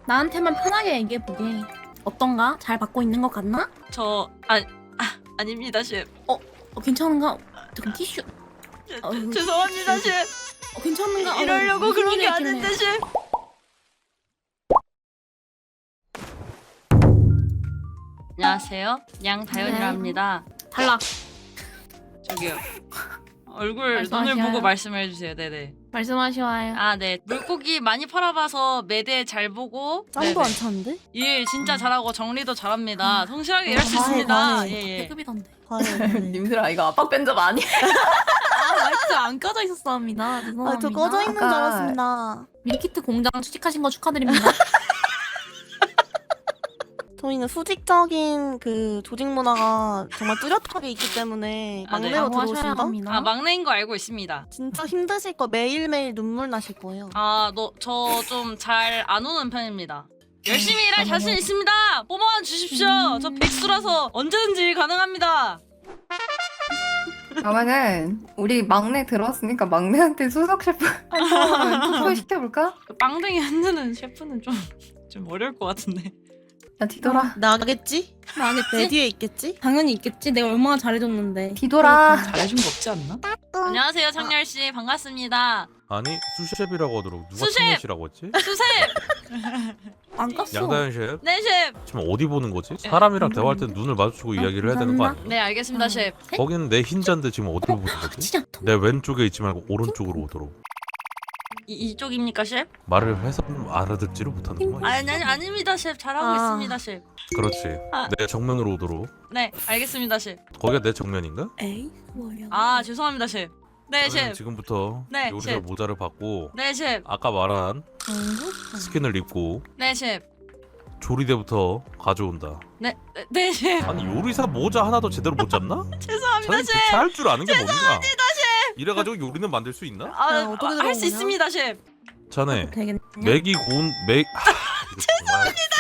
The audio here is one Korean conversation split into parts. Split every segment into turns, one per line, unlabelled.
나한테만 편하게 얘기해보게. 어떤가? 잘 받고 있는 것 같나?
아닙니다, 셰프.
괜찮은가? 잠깐 티슈.
죄송합니다, 셰프.
괜찮은가?
이러려고
무슨
그런
일이
게
있길래.
아닌데, 셰프. 안녕하세요. 양다현이라
네.
합니다.
탈락.
저기요. 얼굴
말씀하셔요.
눈을 보고 말씀해 주세요. 네네.
말씀하시와요.
아, 네. 물고기 많이 팔아봐서 매대 잘 보고
짱도 안 차는데?
일 진짜 잘하고 정리도 잘합니다. 성실하게 일할 수
과해,
있습니다.
과해.
예, 예.
태급이던데.
과연.
이거 압박 뺀적 아니야?
마이크 안 꺼져 있었습니다. 죄송합니다.
저 꺼져 있는 줄
아까-
알았습니다.
밀키트 공장 취직하신 거 축하드립니다.
저희는 수직적인 그 조직 문화가 정말 뚜렷하게 있기 때문에
아, 네.
막내로
하셔야
들어오신다?
합니다.
아, 막내인 거 알고 있습니다.
진짜 힘드실 거 매일매일 눈물 나실 거예요.
아, 저 좀 잘 안 오는 편입니다. 열심히 일할 자신 있습니다. 뽑아만 주십시오. 저 백수라서 언제든지 일 가능합니다.
그러면은 우리 막내 들어왔으니까 막내한테 수석 셰프 한 사람을 투표 시켜볼까?
그 빵댕이 흔드는 셰프는 좀 어려울 것 같은데.
야 뒤돌아.
나겠지? 내
나겠지?
뒤에 있겠지?
당연히 있겠지. 내가 얼마나 잘해줬는데.
뒤돌아.
잘해준 거 없지 않나? 안녕하세요, 창렬 씨. 반갑습니다.
아니 수셰프라고 하도록 누가
수셰프!
창렬씨라고 했지?
수셉.
안 깠어.
양다현 셰프?
네, 셰프.
지금 어디 보는 거지? 사람이랑 대화할 때 눈을 마주치고 이야기를 해야 되는 거 아니야?
네, 알겠습니다, 셰프.
거기는 내 흰자인데 지금 어디로 보는 거지?
진짜.
내 왼쪽에 있지 말고 오른쪽으로 오도록
이쪽입니까, 셰프?
말을 해서 알아듣지를 못하는구만.
아닙니다, 셰프. 잘하고
아.
있습니다, 셰프.
그렇지.
아.
내 정면으로 오도록.
네, 알겠습니다, 셰프.
거기가 내 정면인가?
에이 뭐야.
아, 죄송합니다, 셰프. 네,
그러면
셰프.
지금부터
네,
요리사
셰프.
모자를 받고
네, 셰프.
아까 말한 스킨을 입고
네, 셰프.
조리대부터 가져온다.
네, 셰프.
아니 요리사 모자 하나도 제대로 못 잡나?
죄송합니다,
자네
셰프.
대체 할 줄 아는 게 뭡니까? 이래가지고 요리는 만들 수 있나?
아, 어떻게
할 수
들어오냐?
있습니다, 셰프.
자네
되겠네.
맥이 고운 맥 죄송합니다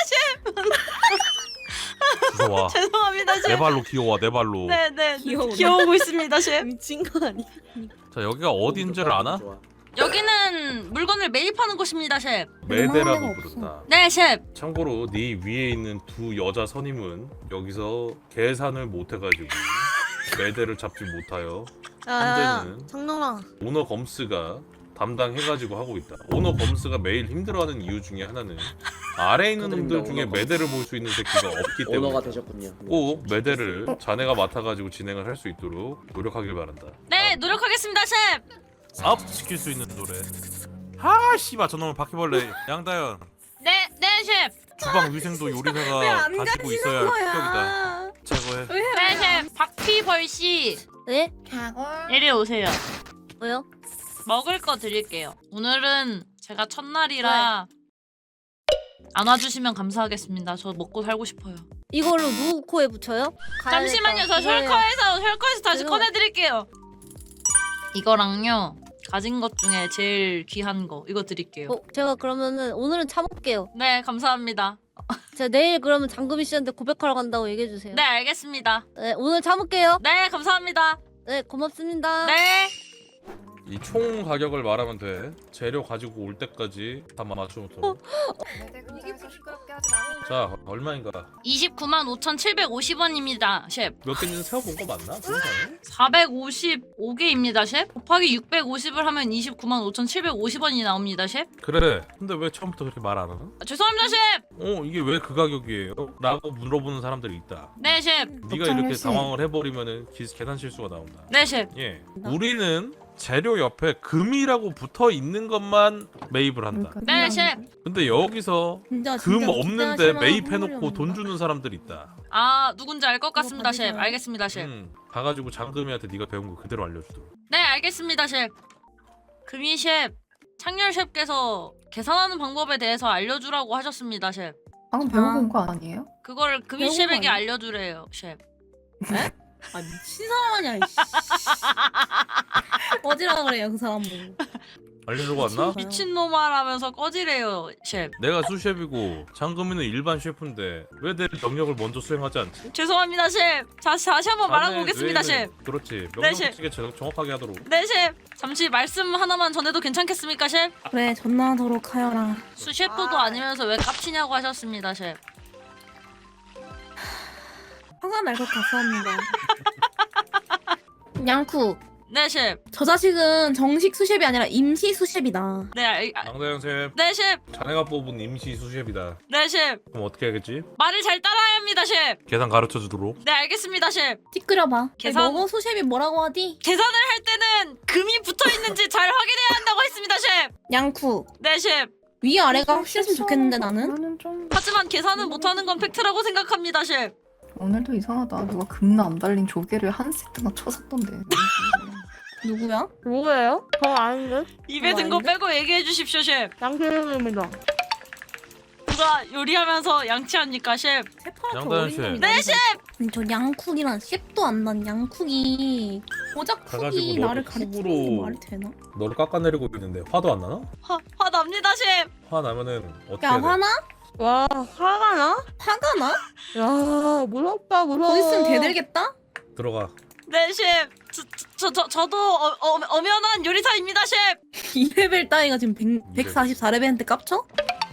셰프
죄송합니다,
내
셰프.
발로 기어와 내 발로.
네.
귀여우네.
귀여우고 있습니다, 셰프.
미친 거 아니야?
자 여기가 어딘지를 아나?
여기는 물건을 매입하는 곳입니다, 셰프.
매대라고
없어.
부른다.
네, 셰프.
참고로 네 위에 있는 두 여자 선임은 여기서 계산을 못해가지고 매대를 잡지 못하여 현재는
장롱아.
오너 검스가 담당해가지고 하고 있다. 오너 검스가 매일 힘들어하는 이유 중에 하나는 아래에 있는 놈들 중에 매대를 볼 수 있는 새끼가 없기 때문에
오너가 되셨군요.
꼭 매대를 자네가 맡아가지고 진행을 할 수 있도록 노력하길 바란다.
네, 노력하겠습니다, 셰프.
사업 시킬 수 있는 노래. 하 씨발 저놈은 바퀴벌레. 양다현
네, 셰프.
주방 위생도 요리사가 가지고 있어야 할 필격이다. 제거해.
네, 셰프. 박피벌 씨,
네?
이리 오세요.
왜요?
먹을 거 드릴게요. 오늘은 제가 첫날이라 안 와주시면 감사하겠습니다. 저 먹고 살고 싶어요.
이걸로 누구 코에 붙여요?
잠시만요. 저 셜커에서 다시
죄송-
꺼내드릴게요. 이거랑요. 가진 것 중에 제일 귀한 거 이거 드릴게요.
제가 그러면은 오늘은 참을게요.
네, 감사합니다.
제가 내일 그러면 장금희 씨한테 고백하러 간다고 얘기해 주세요.
네, 알겠습니다.
네, 오늘 참을게요.
네, 감사합니다.
네, 고맙습니다.
네.
이 총 가격을 말하면 돼. 재료 가지고 올 때까지 다 맞춰놓도록. 자 얼마인가?
29만 5,750원입니다, 셰프.
몇 개인지는 세어본 거 맞나? 세상에?
455개입니다, 셰프. 곱하기 650을 하면 29만 5,750원이 나옵니다, 셰프.
그래. 근데 왜 처음부터 그렇게 말 안 하나?
죄송합니다, 셰프.
이게 왜 그 가격이에요? 라고 물어보는 사람들이 있다.
네, 셰프.
네가 이렇게 당황을 해버리면은 계산 실수가 나온다.
네, 셰프.
예. 우리는 재료 옆에 금이라고 붙어 있는 것만 매입을 한다.
네, 셰프.
근데 여기서
진짜
금
진짜
없는데
기대하시는
매입해놓고
선물이
돈
없나?
주는 사람들이 있다.
아, 누군지 알 것 같습니다,
받으세요.
셰프. 알겠습니다, 셰프.
가가지고 장금이한테 네가 배운 거 그대로 알려주도록.
네, 알겠습니다, 셰프. 금이 셰프, 창렬 셰프께서 계산하는 방법에 대해서 알려주라고 하셨습니다, 셰프.
방금 배우고 온 거 아니에요?
그거를 금이
배운 거
셰프에게
아니야?
알려주래요, 셰프.
아 미친 사람 아니야. 이씨. 어지라 그래요 그 사람 보고.
알리려고 왔나?
미친놈아라면서 꺼지래요 셰프.
내가 수셰프이고 장금이는 일반 셰프인데 왜 내 명령을 먼저 수행하지 않지?
죄송합니다 셰프. 다시 한번 말하고 오겠습니다 셰프.
그렇지.
네, 셰프.
명령치게 정확하게 하도록.
네 셰프. 잠시 말씀 하나만 전해도 괜찮겠습니까 셰프?
그래 전화하도록 하여라.
수셰프도 아니면서 왜 깝치냐고 하셨습니다 셰프.
화가 날 것 같습니다. 양쿠,
네 셰프.
저 자식은 정식 수셰프이 아니라 임시 수셰프이다.
네
장다영 셰프,
네 셰프.
자네가 뽑은 임시 수셰프이다.
네 셰프.
그럼 어떻게 하겠지?
말을 잘 따라야 합니다 셰프.
계산 가르쳐 주도록.
네 알겠습니다 셰프.
찌끄려봐.
계산-
너거 수셰프이 뭐라고 하디?
계산을 할 때는 금이 붙어 있는지 잘 확인해야 한다고 했습니다 셰프.
양쿠,
네 셰프.
위아래가 확실했으면 좋겠는데 나는?
오늘은 좀
하지만 계산은 못하는 건 팩트라고 생각합니다 셰프.
오늘도 이상하다. 누가 금나 안 달린 조개를 한 세트나 쳐샀던데.
누구야?
누구예요? 저 아닌데?
입에 든 거 빼고 얘기해 주십시오 셰프.
양태형입니다.
누가 요리하면서 양치합니까 셰프?
셰프한테
양다현
어린
씨.
놈이
네 셰프.
아니, 저 양쿡이란 셰프도 안 난 양쿡이 고작 쿡이
가가지고
나를
너도
가르치는 게
쿡으로-
말이 되나?
너를 깎아내리고 있는데 화도 안 나나?
화 납니다 셰프.
화 나면은 어떻게
야
해야 돼?
화나?
와, 화가 나?
화가 나?
야, 무섭다, 무서워.
곧 있으면 대들겠다?
들어가.
네 셰프. 저도 엄연한 요리사입니다 셰프.
2레벨 따위가 지금 144레벨한테 깝쳐?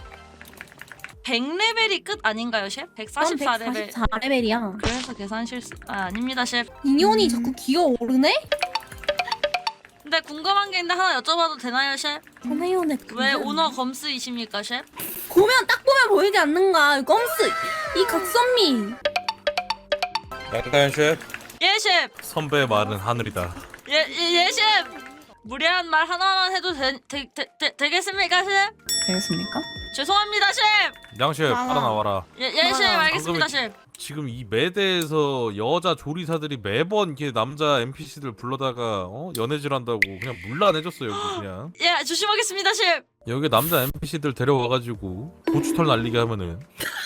100레벨이 끝 아닌가요 셰프? 144레벨.
144레벨이야.
그래서 계산 실수 아닙니다 셰프.
인연이 자꾸 기어오르네?
근데 궁금한 게 있는데 하나 여쭤봐도 되나요 셰프?
전혜연의
왜 오너 검스이십니까 셰프?
보면 딱 보면 보이지 않는가? 껌스 이 각선미.
양다현 셰프,
예 셰프.
선배의 말은 하늘이다.
예 셰프. 무례한 말 하나만 해도 되겠습니까 셰프?
되겠습니까?
죄송합니다 셰프.
양 셰프,
나가.
따라 나와라.
예 셰프 알겠습니다
방금-
셰프.
지금 이 매대에서 여자 조리사들이 매번 이렇게 남자 NPC들 불러다가 연애질한다고 그냥 물러내줬어 여기 그냥.
예 조심하겠습니다 셰프.
여기 남자 NPC들 데려와가지고 고추털 날리게 하면은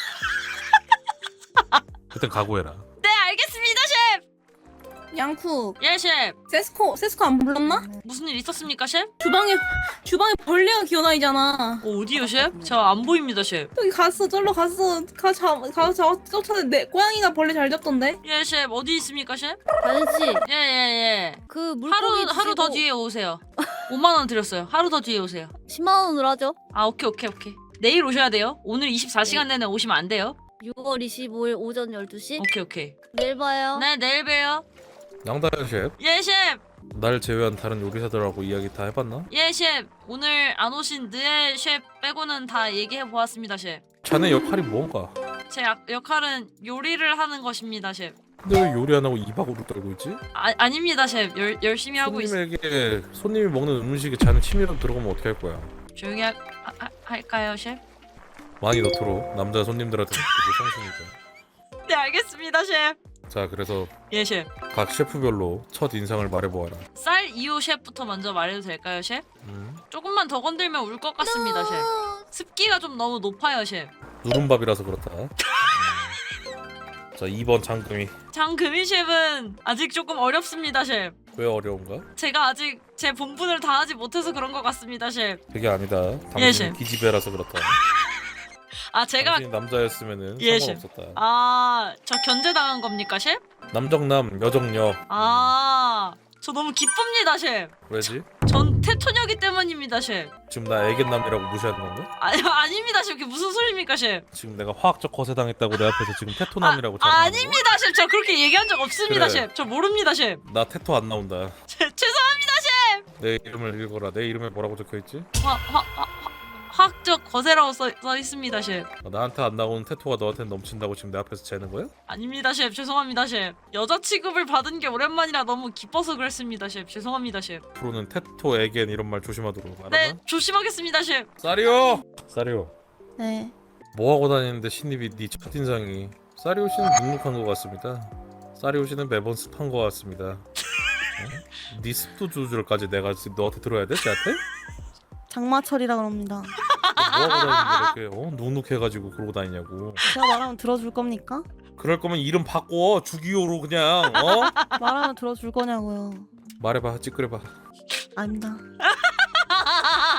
그땐 각오해라.
네 알겠습니다 셰프.
양쿡
예 셰프.
세스코 안 불렀나?
무슨 일 있었습니까 셰프?
주방에 벌레가 기어다니잖아.
어디요 셰프? 저 안 보입니다 셰프.
여기 갔어, 절로 갔어. 가서 쫓아내. 고양이가 벌레 잘 잡던데.
예 셰프 어디 있습니까 셰프?
다은씨
예예예.
그 물고기
하루 더 뒤에 오세요. 5만 원 드렸어요. 하루 더 뒤에 오세요.
10만 원으로 하죠.
아 오케이. 내일 오셔야 돼요. 오늘 24시간 내내 오시면 안 돼요.
6월 25일 오전 12시
오케이.
내일 봐요.
네 내일 봬요.
양다현 셰프,
예 셰프.
날 제외한 다른 요리사들하고 이야기 다 해봤나?
예 셰프. 오늘 안 오신 느에 셰프 빼고는 다 얘기해 보았습니다 셰프.
자네 역할이 뭔가?
제 역할은 요리를 하는 것입니다 셰프.
근데 왜 요리 안 하고 이박으로 떨고 있지?
아닙니다 셰프. 열심히 하고 있어요.
손님에게 손님이 먹는 음식에 자네 취미로 들어가면 어떻게 할 거야?
조용히 할까요 셰프?
많이 넣도록 남자 손님들한테 되게 상심이다.
네 알겠습니다 셰프.
자, 그래서
예 셰프.
각 셰프별로 첫 인상을 말해보아라.
쌀 2호 셰프부터 먼저 말해도 될까요 셰프? 조금만 더 건들면 울 것 같습니다 셰프. 습기가 좀 너무 높아요 셰프.
누른밥이라서 그렇다. 자, 2번 장금이.
장금희 셰프는 아직 조금 어렵습니다 셰프.
왜 어려운가?
제가 아직 제 본분을 다하지 못해서 그런 것 같습니다 셰프.
그게 아니다.
예,
당신은
셰프.
기집애라서 그렇다.
아 제가
당신이 남자였으면은
예,
상관없었다.
저 견제당한 겁니까 셰프?
남정남, 여정녀.
저 너무 기쁩니다 셰프.
왜지?
전 테토녀기 때문입니다 셰프.
지금 나 애견남이라고 무시하는 건가?
아닙니다 셰프. 그게 무슨 소리입니까 셰프?
지금 내가 화학적 거세당했다고 내 앞에서 지금 테토남이라고 자랑하는 거야?
아닙니다 셰프. 저 그렇게 얘기한 적 없습니다
그래.
셰프. 저 모릅니다 셰프.
나 테토 안 나온다.
죄송합니다 셰프.
내 이름을 읽어라. 내 이름에 뭐라고 적혀있지?
화학적 거세라고 써 있습니다 셰프.
나한테 안 나오는 테토가 너한테 넘친다고 지금 내 앞에서 재는 거야?
아닙니다 셰프. 죄송합니다 셰프. 여자 취급을 받은 게 오랜만이라 너무 기뻐서 그랬습니다 셰프. 죄송합니다 셰프.
앞으로는 테토, 애겐 이런 말 조심하도록. 알았나?
네 조심하겠습니다 셰프.
사리오! 사리오,
네.
뭐하고 다니는데 신입이 네 첫인상이. 사리오 씨는 눅눅한 것 같습니다. 사리오 씨는 매번 습한 것 같습니다. 어? 네 습도 조절까지 내가 지금 너한테 들어야 돼? 쟤한테?
장마철이라 그럽니다.
뭐하고 다니는데 이렇게 눅눅해가지고 그러고 다니냐고.
제가 말하면 들어줄 겁니까?
그럴 거면 이름 바꿔. 주기호로 그냥.
말하면 들어줄 거냐고요.
말해봐. 찌끄려봐.
아닙니다.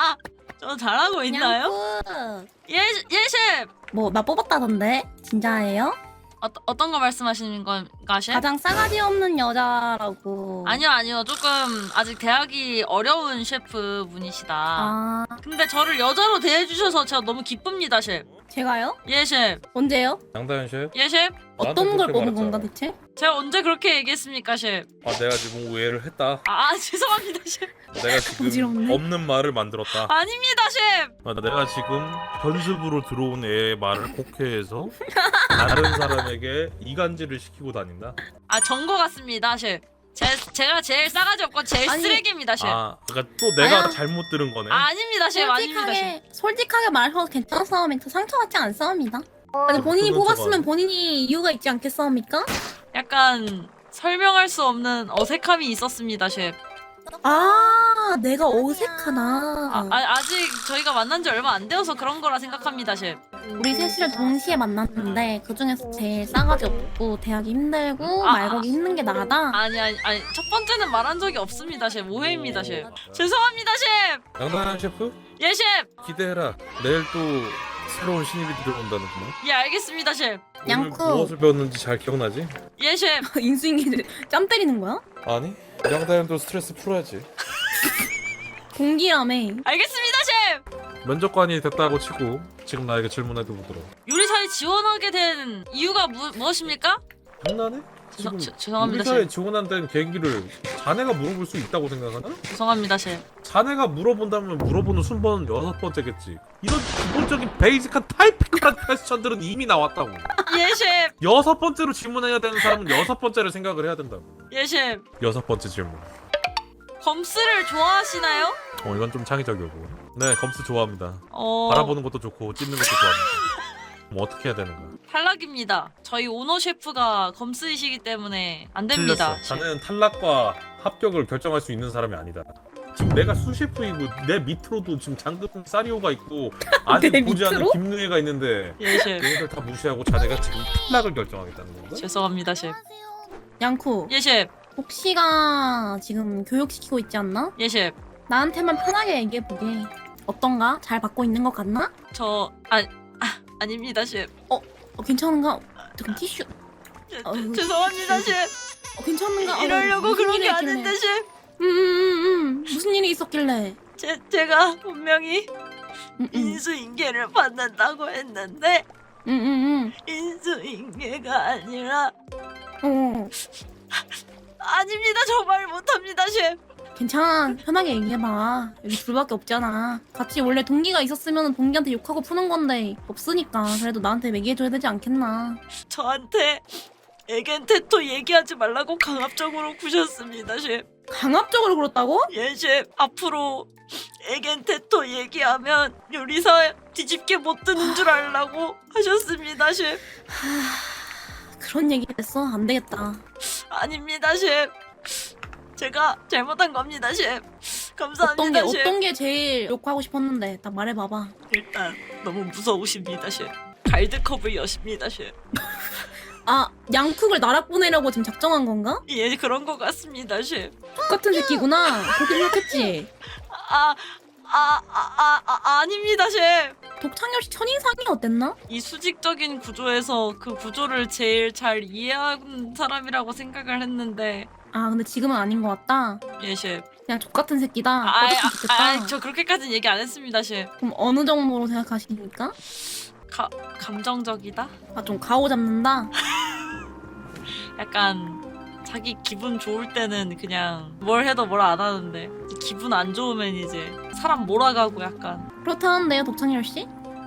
저 잘하고 있나요? 예 셰프.
뭐나 뽑았다던데? 진짜예요?
어떤 거 말씀하시는 건가 셰프?
가장 싸가지 없는 여자라고.
아니요 조금 아직 대하기 어려운 셰프 분이시다.
아
근데 저를 여자로 대해주셔서 제가 너무 기쁩니다 셰프.
제가요?
예 셰프.
언제요?
양다현 셰프?
예 셰프.
어떤 걸
그렇게
뽑은
말했잖아.
건가 대체?
제가 언제 그렇게 얘기했습니까 셰프?
아 내가 지금 오해를 했다.
죄송합니다 셰프.
내가 지금
어지럽네.
없는 말을 만들었다.
아닙니다 셰프.
내가 지금 견습으로 들어온 애의 말을 곡해해서 다른 사람에게 이간질을 시키고 다닌다.
전거 같습니다 셰프. 제가 제일 싸가지 없고 제일
아니,
쓰레기입니다 셰프.
그러니까 또 내가
아야.
잘못 들은 거네.
아닙니다 셰프. 아닙니다 셰프.
솔직하게 말해서 괜찮은 싸움이니까 상처받지 않습니다. 아니 본인이
그건
뽑았으면
저거.
본인이 이유가 있지 않겠습니까?
약간 설명할 수 없는 어색함이 있었습니다 셰프.
아 내가 어색하나.
아직 저희가 만난 지 얼마 안 되어서 그런 거라 생각합니다 셰프.
우리 셋이를 동시에 만났는데 그 중에서 제일 싸가지 없고 대하기 힘들고
아,
말 걸기 힘든 게 나다.
아니 첫 번째는 말한 적이 없습니다 셰프. 오해입니다 셰프. 죄송합니다 셰프.
양다현 셰프
예 셰프.
기대해라. 내일 또 새로운 신입이 들어온다는구나.
예 알겠습니다 셰프.
오늘
양쿠.
무엇을 배웠는지 잘 기억나지?
예 셰프.
인수인계 짬 때리는 거야?
아니 양다현도 스트레스 풀어야지.
공기라며.
알겠습니다 셰프.
면접관이 됐다고 치고 지금 나에게 질문해도 보도록.
요리사에 지원하게 된 이유가 무엇입니까?
장난해? 지금
죄송합니다
우리사에
셰프.
지원한 데는 계기를 자네가 물어볼 수 있다고 생각하나?
죄송합니다 셰프.
자네가 물어본다면 물어보는 순번은 6번째겠지. 이런 기본적인 베이직한 타이피컬한 퀘스천들은 이미 나왔다고.
예 셰프.
6번째로 질문해야 되는 사람은 6번째를 생각을 해야 된다고.
예 셰프.
6번째 질문.
검스를 좋아하시나요?
이건 좀 창의적이고. 네, 검스 좋아합니다.
어...
바라보는 것도 좋고 찢는 것도 좋아합니다. 뭐 어떻게 해야 되는 거야?
탈락입니다. 저희 오너 셰프가 검스이시기 때문에 안 됩니다.
틀렸어. 자네는 탈락과 합격을 결정할 수 있는 사람이 아니다. 지금 내가 수셰프이고 내 밑으로도 지금 장급 사리오가 있고 아직
내
보지 않은
밑으로?
김누에가 있는데
예 셰프.
얘네들 다 무시하고 자네가 지금 탈락을 결정하겠다는 건가?
죄송합니다 셰프.
양쿠.
예 셰프.
복시가 지금 교육시키고 있지 않나?
예 셰프.
나한테만 편하게 얘기해보게. 어떤가? 잘 받고 있는 것 같나?
아닙니다 셰프.
괜찮은가? 잠깐 티슈.
죄송합니다 셰프.
괜찮은가?
이러려고
무슨
그런
일이
게
있길래.
아닌데 셰프.
무슨 일이 있었길래?
제가 분명히
음.
인수인계를 받는다고 했는데
응.
인수인계가 아니라
어.
아닙니다. 저 말 못합니다 셰프.
괜찮아. 편하게 얘기해봐. 여기 둘밖에 없잖아. 같이 원래 동기가 있었으면 동기한테 욕하고 푸는 건데 없으니까 그래도 나한테 얘기해줘야 되지 않겠나.
저한테 에겐테토 얘기하지 말라고 강압적으로 구셨습니다 셰프.
강압적으로 그렇다고?
예 셰프. 앞으로 에겐테토 얘기하면 요리사 뒤집게 못 드는 줄 알라고 하셨습니다 셰프.
그런 얘기 했어? 안 되겠다.
아닙니다 셰프. 제가 잘못한 겁니다 셰프. 감사합니다 셰프.
어떤 게 제일 욕하고 싶었는데 딱 말해봐봐.
일단 너무 무서우십니다 셰프. 갈드컵을 여십니다 셰프.
아 양쿡을 나락 보내려고 지금 작정한 건가?
예 그런 것 같습니다 셰프.
똑같은 새끼구나. 그렇게 생각했지.
아닙니다 셰프.
독창엽 씨 첫인상이 어땠나?
이 수직적인 구조에서 그 구조를 제일 잘 이해한 사람이라고 생각을 했는데
아 근데 지금은 아닌 것 같다.
예 셰프.
그냥 족같은 새끼다. 꺼졌으면 좋겠다.
저 그렇게까지는 얘기 안 했습니다 셰프.
그럼 어느 정도로 생각하십니까?
감정적이다?
아 좀 가오 잡는다.
약간 자기 기분 좋을 때는 그냥 뭘 해도 뭘 안 하는데 기분 안 좋으면 이제 사람 몰아가고 약간
그렇다는데요 독창엽 씨?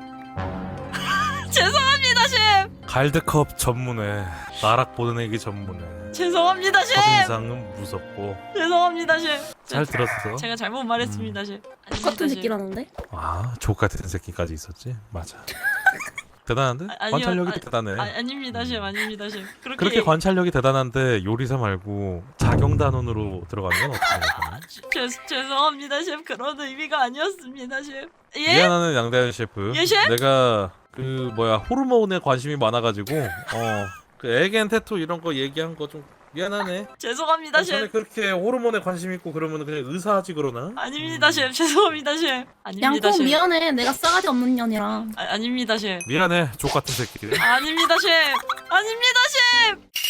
죄송합니다 셰프.
갈드컵 전문에 나락 보내기 전문에
죄송합니다 셰프.
첫인상은 무섭고.
죄송합니다 셰프.
잘 들었어.
제가 잘못 말했습니다 셰프.
똑같은 새끼라는데?
족같은 새끼까지 있었지. 맞아. 대단한데?
아니요,
관찰력이 대단해.
아닙니다 셰프. 아닙니다 셰프.
그렇게 관찰력이 대단한데 요리사 말고 자경단원으로 들어가는 건 어떻게 생각하나?
죄송합니다 셰프. 그런 의미가 아니었습니다 셰프. 예?
미안하는 양다현 셰프.
예, 셰프?
내가 호르몬에 관심이 많아가지고 그 에겐 테토 이런 거 얘기한 거 좀 미안하네.
죄송합니다
전에
셰프.
그렇게 호르몬에 관심 있고 그러면 그냥 의사하지 그러나?
아닙니다 셰프. 죄송합니다 셰프. 아닙니다
양콩
셰프.
미안해. 내가 싸가지 없는 년이라.
아닙니다 셰프.
미안해 족 같은 새끼들.
아닙니다 셰프. 아닙니다 셰프.